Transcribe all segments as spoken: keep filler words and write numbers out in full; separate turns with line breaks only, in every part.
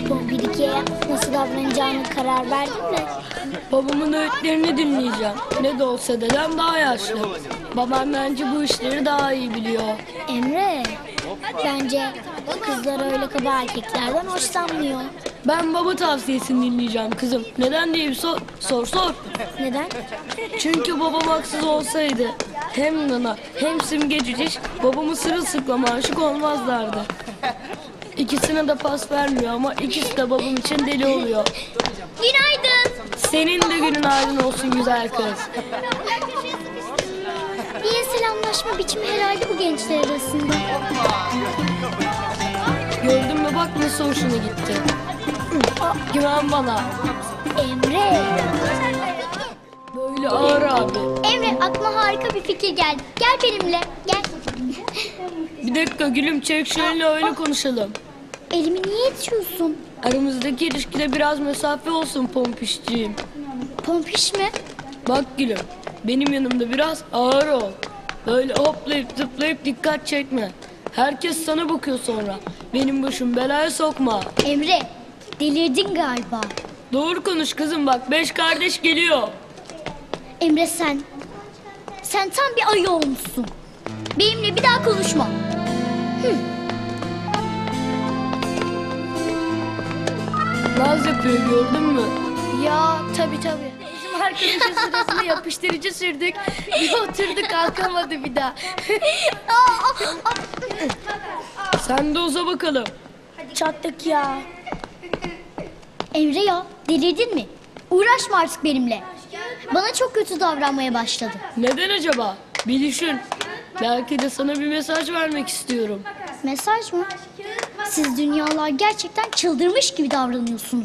Pompidik'e nasıl davranacağını karar verdin mi?
Babamın öğütlerini dinleyeceğim. Ne de olsa dedem daha yaşlı. Babam bence bu işleri daha iyi biliyor.
Emre, bence kızlar öyle kaba erkeklerden hoşlanmıyor.
Ben baba tavsiyesini dinleyeceğim kızım. Neden diye bir sor, sor sor.
Neden?
Çünkü babam haksız olsaydı hem Nana hem Simge Cüciş babamı sırılsıklam aşık olmazlardı. İkisine de pas vermiyor ama ikisi de babam için deli oluyor.
Günaydın.
Senin de günün aydın olsun güzel kız.
İyi selamlaşma biçimi herhalde bu gençler arasında.
Gördün mü bak nasıl hoşuna gitti. Güven bana.
Emre.
Böyle ağır abi.
Emre, aklıma harika bir fikir geldi. Gel benimle, gel.
Bir dakika gülüm çek şöyle öyle konuşalım.
Elimi niye itiyorsun?
Aramızdaki ilişkide biraz mesafe olsun pompişciğim.
Pompiş mi?
Bak gülüm benim yanımda biraz ağır ol. Böyle hoplayıp zıplayıp dikkat çekme. Herkes sana bakıyor sonra. Benim başım belaya sokma.
Emre, delirdin galiba.
Doğru konuş kızım bak beş kardeş geliyor.
Emre sen, sen tam bir ayı olmuşsun. Benimle bir daha konuşma. Hı.
Naz yapıyor gördün mü?
Ya tabii tabii.
Bizim arkadaşın sırasına yapıştırıcı sürdük. Bir oturdu kalkamadı bir daha. Sen de uza bakalım.
Çattık ya. Emre ya, delirdin mi? Uğraşma artık benimle. Bana çok kötü davranmaya başladı.
Neden acaba? Bir düşün. Belki de sana bir mesaj vermek istiyorum.
Mesaj mı? Siz dünyalar gerçekten çıldırmış gibi davranıyorsunuz.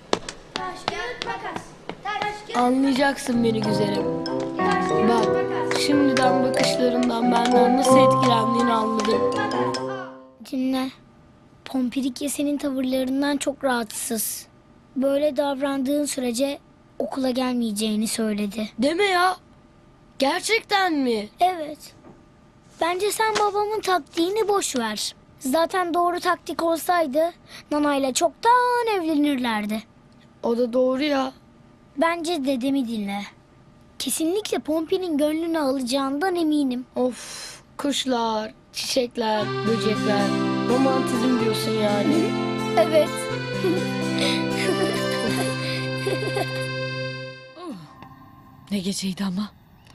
Anlayacaksın beni güzelim. Bak şimdiden bakışlarından benden nasıl etkilendiğini anladım.
Dinle. Pompidikya senin tavırlarından çok rahatsız. Böyle davrandığın sürece okula gelmeyeceğini söyledi.
Deme ya. Gerçekten mi?
Evet. Bence sen babamın taktiğini boş ver. Zaten doğru taktik olsaydı Nana'yla çoktan evlenirlerdi.
O da doğru ya.
Bence dedemi dinle. Kesinlikle Pompi'nin gönlünü alacağından eminim.
Of kuşlar, çiçekler, böcekler. Romantizm diyorsun yani.
Evet.
Ne geceydi ama.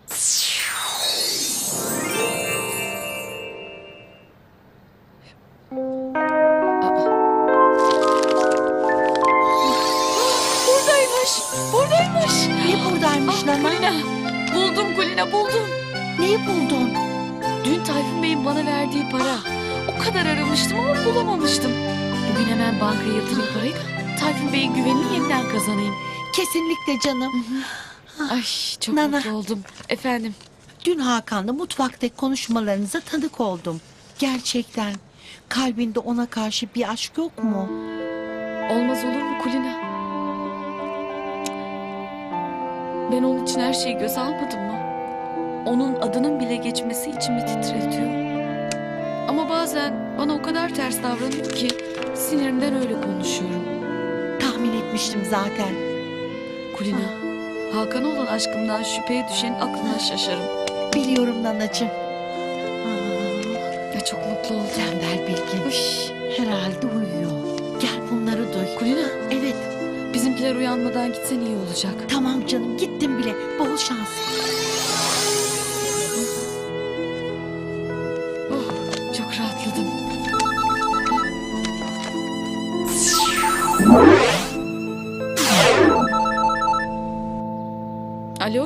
Buradaymış. Buradaymış.
Ne buradaymış
Ah,
Nana?
Kulina. Buldum Kulina buldum.
Neyi buldun?
Dün Tayfun Bey'in bana verdiği para. O kadar aramıştım ama bulamamıştım. Bugün hemen bankaya yatırayım parayı da Tayfun Bey'in güvenini yeniden kazanayım.
Kesinlikle canım.
Ay çok
Nana.
mutlu oldum. Efendim.
Dün Hakan'la mutfaktaki konuşmalarınıza tanık oldum. Gerçekten kalbinde ona karşı bir aşk yok mu?
Olmaz olur mu Kulina? Ben onun için her şeyi göze almadım mı? Onun adının bile geçmesi içimi titretiyor. Ama bazen bana o kadar ters davranıyor ki sinirimden öyle konuşuyorum.
Tahmin etmiştim zaten.
Kulina, Hakan'a olan aşkımdan şüpheye düşen aklına şaşarım.
Biliyorum Nanacığım.
Ya çok mutlu oldum.
Tembel Bilgin.
Uş.
Herhalde uyuyor. Gel bunları duy.
Kulina,
Evet.
bizimkiler uyanmadan gitsen iyi olacak.
Tamam canım, gittim bile. Bol şans.
Oh, çok rahatladım. Alo?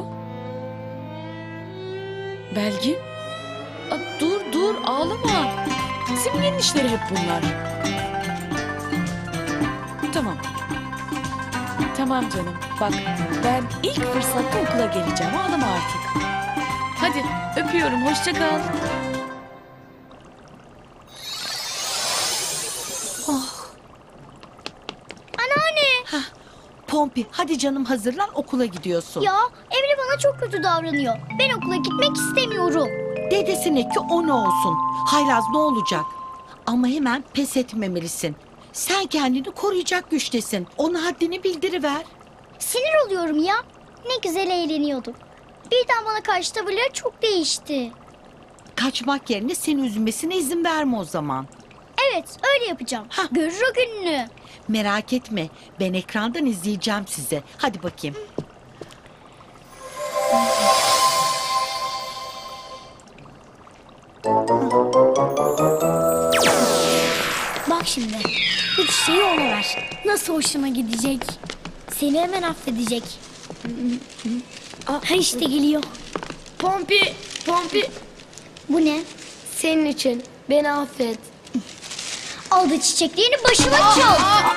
Belgin? Aa, dur dur ağlama. Simge'nin işleri hep bunlar. Tamam. Tamam canım. Bak ben ilk fırsatta okula geleceğim. Ağlama artık. Hadi öpüyorum. Hoşça kal.
Anneanne!
Pompi, hadi canım hazırlan, okula gidiyorsun.
Ya Emre bana çok kötü davranıyor. Ben okula gitmek istemiyorum.
Dedesine ki o ne olsun. Haylaz ne olacak? Ama hemen pes etmemelisin. Sen kendini koruyacak güçtesin. Ona haddini bildiriver.
Sinir oluyorum ya. Ne güzel eğleniyordum. Birden bana karşı tavırları çok değişti.
Kaçmak yerine seni üzmesine izin verme o zaman.
Evet, öyle yapacağım.
Hah.
Görür o gününü.
Merak etme. Ben ekrandan izleyeceğim sizi. Hadi bakayım.
Bak şimdi. Bu çiçeği ona ver. Nasıl hoşuna gidecek. Seni hemen affedecek. Ha işte geliyor.
Pompi, Pompi
Bu ne?
senin için beni affet.
Al da çiçeklerini başıma çal.